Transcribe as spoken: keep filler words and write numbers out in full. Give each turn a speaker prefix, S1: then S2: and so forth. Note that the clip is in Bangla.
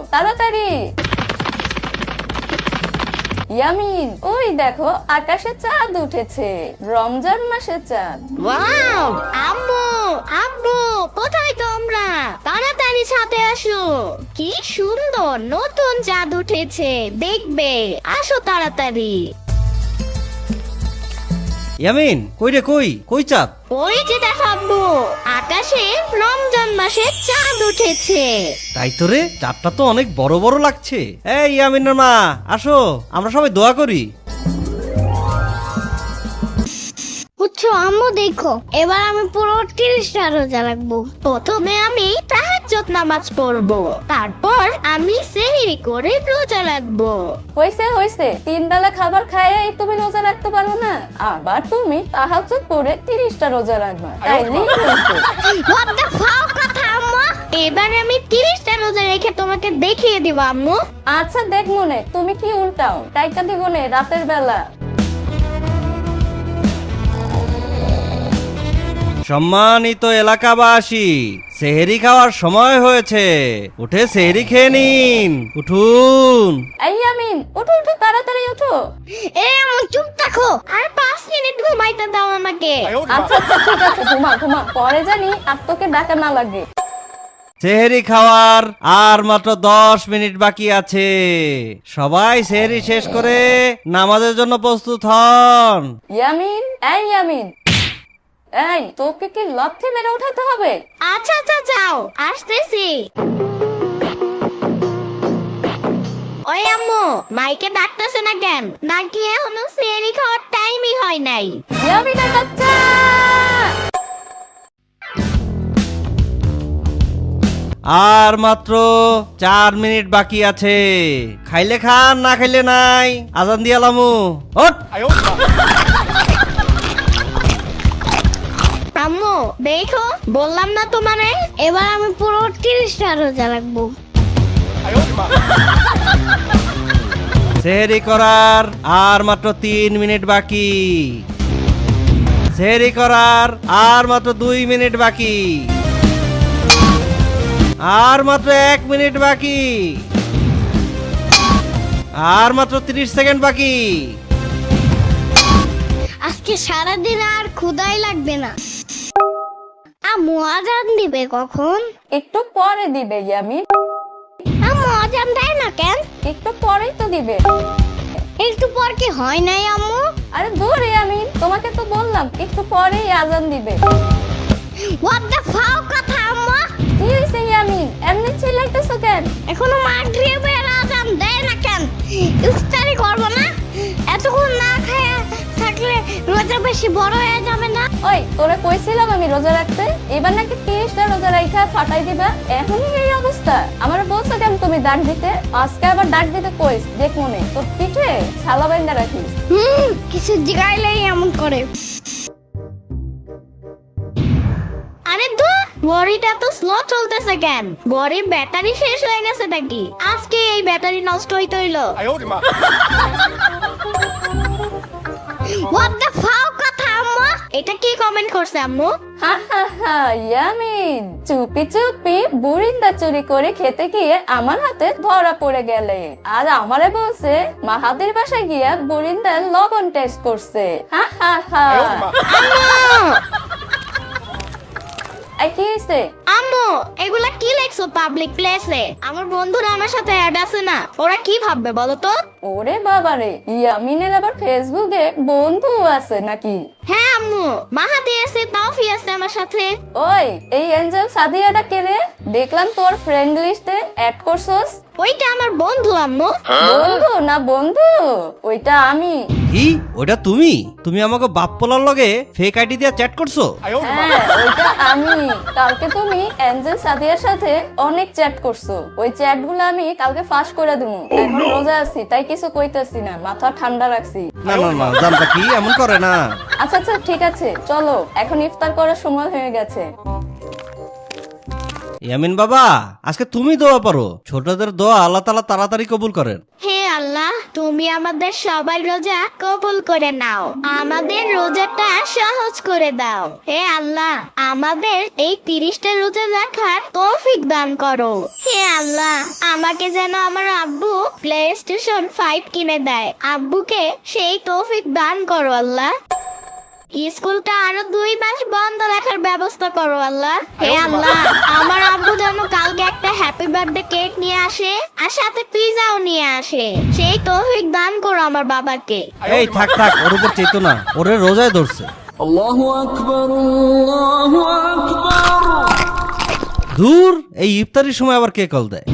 S1: তাড়াতাড়ি। ইয়ামিন, ওই দেখো আকাশে চাঁদ উঠেছে, রমজান মাসের চাঁদ।
S2: ওয়াও, আম্মু আব্বু কোথায় তোমরা? তাড়াতাড়ি ছাদে আসো, কি সুন্দর নতুন চাঁদ উঠেছে, দেখবে, আসো তাড়াতাড়ি।
S3: ইয়ামিন, কই রে, কই কই চাঁদ?
S2: ওই যে দেখো আব্বু, আকাশে রমজান মাসের চাঁদ উঠেছে।
S3: তাই তো রে, চাঁদটা তো অনেক বড় বড় লাগছে। এই ইয়ামিনের মা, আসো, আমরা সবাই দোয়া করি।
S2: বুঝছো আম্মু, দেখো এবার আমি পুরো তিরিশটা রোজা রাখবো। প্রথমে আমি তাহাজ্জুদ নামাজ পড়বো, তারপর আমি সেহরি করে রোজা রাখবো।
S1: হইছে হইছে, তিন বেলা খাবার খাইয়ে তুমি রোজা রাখতে পারো না, আবার তুমি তাহাজ্জুদ পড়ে তিরিশটা রোজা রাখবা, তাইলেই হইছে।
S2: What the fuck কথা আম্মু? এবার আমি তিরিশটা রোজা রেখে তোমাকে দেখিয়ে দিব আম্মু।
S1: আচ্ছা দেখ মনে, তুমি কি উল্টাও, টাইকা দিবনে রাতের বেলা।
S3: সম্মানিত এলাকাবাসী, সেহরি খাওয়ার সময় হয়েছে, উঠে সেহরি খেয়ে নিন, উঠুন।
S1: এই ইয়ামিন, উঠো উঠো, তাড়াতাড়ি উঠো।
S2: এ আম্মু চুপ থাকো, আর পাঁচ মিনিট ঘুমাইতে দাও আমাকে।
S1: আচ্ছা আচ্ছা ঠিক আছে, ঘুমা ঘুমা, পরে জানি আর তোকে ডাকা না লাগে।
S3: সেহরি খাওয়ার আর মাত্র দশ মিনিট বাকি আছে, সবাই সেহরি শেষ করে নামাজের জন্য প্রস্তুত হন।
S1: ইয়ামিন, এই ইয়ামিন, এই তোকে কি লক্ষ্যে মেরে উঠাতে হবে?
S2: আচ্ছা আচ্ছা যাও, আসতেছি। ওই আম্মু, মাইকে ডাকতেছে না কেন? নাকি এখনো সেহরি খাওয়ার টাইমই হয় নাই?
S1: ইয়ামিনের বাচ্চা,
S3: আর মাত্র চার মিনিট বাকি আছে, খাইলে খান, না খাইলে নাই, আজান দিয়ালামু। ওঠ।
S2: আম্মু দেখো, বললাম না তোমারে, এবার আমি পুরো তিরিশটা রোজা রাখবো।
S3: সেহরি করার আর মাত্র তিন মিনিট বাকি, সেহরি করার আর মাত্র দুই মিনিট বাকি, আর মাত্র এক মিনিট বাকি, আর মাত্র ত্রিশ সেকেন্ড বাকি।
S2: আজকে সারাদিন আর ক্ষুধাই লাগবে না। আম্মু আজান দিবে কখন?
S1: একটু পরে দিবে ইয়ামিন।
S2: আম্মু আজান দেয় না কেন?
S1: একটু পরেই তো দিবে।
S2: একটু পর কি হয় নাই আম্মু?
S1: আরে দূর ইয়ামিন, তোমাকে তো বললাম একটু পরেই আজান দিবে।
S2: What the fuck কথা আম্মু?
S1: কি হইছে ইয়ামিন, এমনি চিল্লাইতেছো কেন?
S2: এখনো মাগরিবের আজান দেয় না কেন? ইফতারি করব না? এতক্ষণ না খায়া থাকলে রোজা বেশি বড় হয়ে যাবে না?
S1: ওই তোরে কইছিলাম আমি রোজা রাখতে, এবার নাকি তিরিশটা রোজা রাইখা ফাটাই দিবা, এখনই এই অবস্থা। আমার বলছো কেন তুমি ডাক দিতে, আজকে আবার ডাক দিতে কইস, দেখ মনে তোর পিঠে ছালা বাইন্দা রাখিস।
S2: হুম, কিছু জিগাইলেই এমন করে। আরে ধুর, ঘড়িটা তো স্লো চলতেছে কেন? ঘড়ির ব্যাটারি শেষ হয়ে গেছে নাকি? আজকে এই ব্যাটারি নষ্ট হইতে হইলো। What the fuck কথা আম্মু? এটা কি কমেন্ট করছে আম্মু?
S1: হা হা হা, ইয়ামিন, চুপি চুপি বুরিন্দা চুরি করে খেতে গিয়ে আমার হাতে ধরা পড়ে গেলে, আর আমারে বলছে মাহাদের বাসায় গিয়া বুরিন্দার লবণ টেস্ট করছে। হা হা হা।
S2: আম্মু!
S1: এই কি হইছে?
S2: আম্মু, এগুলা কি লেখছো পাবলিক প্লেসে? আমার বন্ধুরা আমার সাথে অ্যাড আছে না, ওরা কি ভাববে বলো তো?
S1: ওরে বাবারে, ইয়ামিনের আবার ফেসবুকে বন্ধু আছে নাকি?
S2: হ্যাঁ আম্মু, মাহাদি আছে, তাওফি আছে আমার সাথে।
S1: ওই এই এঞ্জেল সাদিয়াটা কে রে? দেখলাম তোর ফ্রেন্ড লিস্টে অ্যাড করছস।
S2: ওইটা আমার বন্ধু আম্মু।
S1: বন্ধু না বন্ধু, ওইটা আমি।
S3: কি, ওটা তুমি? তুমি আমাকে বাপ পোলার লগে ফেক আইডি দিয়ে চ্যাট করছো?
S1: হ্যাঁ ওইটা আমি। কালকে তুমি এঞ্জেল সাদিয়ার সাথে অনেক চ্যাট করছো, ওই চ্যাট গুলো আমি কালকে ফাঁস করে দিবো। এখন রোজা আছি তাই কিছু কইতাছি না, মাথা ঠান্ডা রাখছি।
S3: না না না, জানতা কি এমন করে না।
S1: আচ্ছা আচ্ছা ঠিক আছে, চলো এখন ইফতার করার সময় হয়ে গেছে।
S3: ইয়ামিন বাবা, আজকে তুমি দোয়া পারো, ছোটদের দোয়া আল্লাহ তাআলা তাড়াতাড়ি কবুল করেন।
S2: হ্যাঁ আল্লাহ, তুমি আমাদের সবাই রোজা কবুল করে নাও, আমাদের রোজাটা সহজ করে দাও। হে আল্লাহ, আমাদের এই তিরিশটা রোজা রাখার তৌফিক দান করো। হে আল্লাহ, আমাকে যেন আমার আব্বু প্লে স্টেশন ফাইভ কিনে দেয়। আব্বুকে সেই তৌফিক দান করো আল্লাহ। স্কুলটা আরো দুই মাস বন্ধ রাখার ব্যবস্থা করো আল্লাহ। হে আল্লাহ, আমার আব্বু যেন কালকে একটা হ্যাপি বার্থডে কেক নিয়ে আসে আর সাথে পিজাও নিয়ে আসে। সেই তৌফিক দান করো আমার বাবাকে।
S3: এই থাক থাক, ওর উপর চেতো না, ওরে রোজায় ধরছে।
S4: আল্লাহু আকবার, আল্লাহু আকবার।
S3: দূর, এই ইফতারির সময় আবার কে কল দেয়?